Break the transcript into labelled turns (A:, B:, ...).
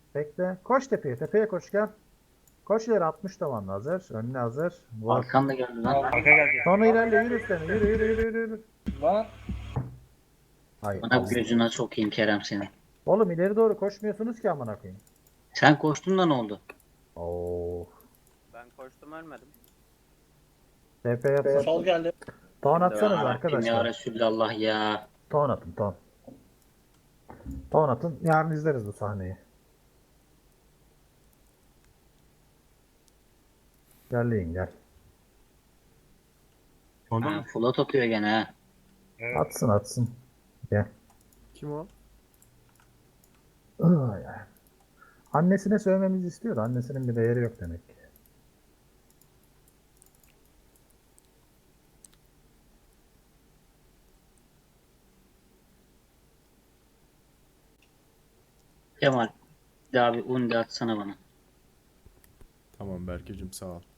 A: Bekle. Koş tepeye. Tepeye koş gel. Koş ileri 60 tavanlı hazır. Önüne hazır. Vur.
B: Arkan da geldi lan.
C: Arka geldi.
A: Sonra ilerle yürü üstlerine. Yürü yürü yürü yürü. Yürü.
C: Lan.
A: Hay
B: Bana
A: Allah.
B: gözüne sokayım Kerem seni.
A: Oğlum ileri doğru koşmuyorsunuz ki amına koyayım.
B: Sen koştun da ne oldu?
A: Oo.
D: Ben koştum ölmedim.
A: TP yapsın.
C: Sol geldi.
A: Ton atsanız
B: Ya
A: arkadaşlar.
B: Resulallah ya.
A: Ton atın ton. Ton atın. Yarın izleriz bu sahneyi. Gel gel.
B: Ha, Fulat atıyor gene ha.
C: Evet.
A: Atsın atsın. Gel.
E: Kim o?
A: Ay, ay. Annesine sövmemizi istiyor da annesinin bir değeri yok demek ki.
B: Kemal. Bir daha bir undi atsana bana.
E: Tamam Berkeciğim sağ ol.